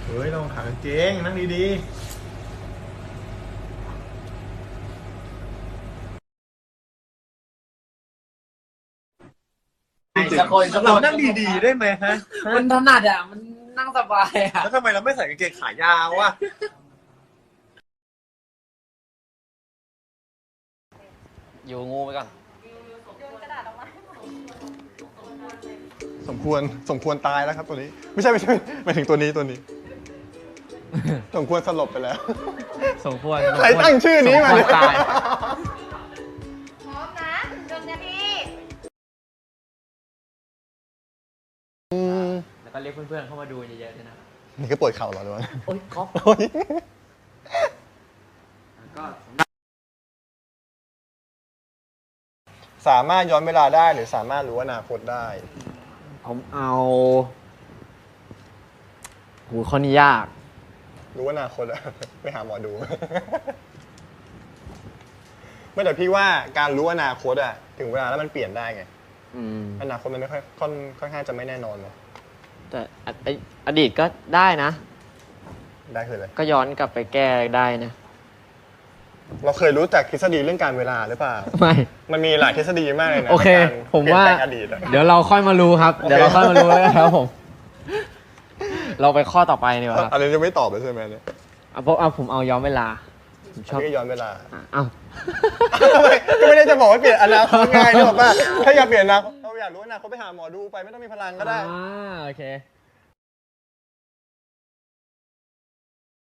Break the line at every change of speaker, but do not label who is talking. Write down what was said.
เฮ้ยลองขากางเกงนั่งดี
สักคนสัก
ๆ
ค
เรา
น
นั่งดีๆได้ไหมฮะ
มันถนัดอ่ะมันนั่งสบายอ่ะ
แล้วทำไมเราไม่ใส่กางเกงขายาววะ
อยู่งูไปก่อน
สมควรตายแล้วครับตัวนี้ ไม่ใช่หมายถึงตัวนี้สมควรสลบไปแล้ว
สมควร
ใครตั้งชื่อนี้มาเนี่ย
ตาย
พร้อมนะ1 นาที
แล้วก็เรียกเพื่อนๆเข้ามาดูเยอะๆด้วยนะ
นี่ก็ปวดเข่าเหรอหรือวะ
โอ๊ยก๊อฟ
โอ๊ย
ก็
สามารถย้อนเวลาได้หรือสามารถรู้อนาคตได้
ผมเอาหูข้อนี้ยาก
รู้อนาคตอะ ไปหาหมอดู ไม่แต่พี่ว่าการรู้อนาคตอะถึงเวลาแล้วมันเปลี่ยนได้ไง อนาคตมันไม่ค่อนข้างจะไม่แน่นอนเลย
แต่อดีตก็ได้นะ
ได้คืออะไร
ก็ย้อนกลับไปแก้ได้นะ
เราเคยรู้จักทฤษฎีเรื่องการเวลาหรือเปล่า
ไม่
มันมีหลายทฤษฎีมากเลยนะ
โอเค
ในกร
ผมว่า
เปลี่ยนแปลงอดีตอะ
เดี๋ยวเราค่อยมารู้ครับ
โอเค
เดี๋ยวเราค่อยมารู้แล้วครับผม เราไปข้อต่อไปดีกว่าครับ
อันนี้จะไม่ตอบเลยใช่ไหมเนี่ย
ผมเอาย้อนเวลา ผมช
อั
อน บ
นี้ก็ย้อนเวลา
เอ้า
ก็ไม่ได้จะบอกว่าเปลี่ยนอนาคตง่ายนึกออกป่ะถ้าอยากเปลี่ยนอนาคตเราอยากรู้อนาคตไปหาหมอดูไปไม่ต้องมีพลังก็ได้
โอเค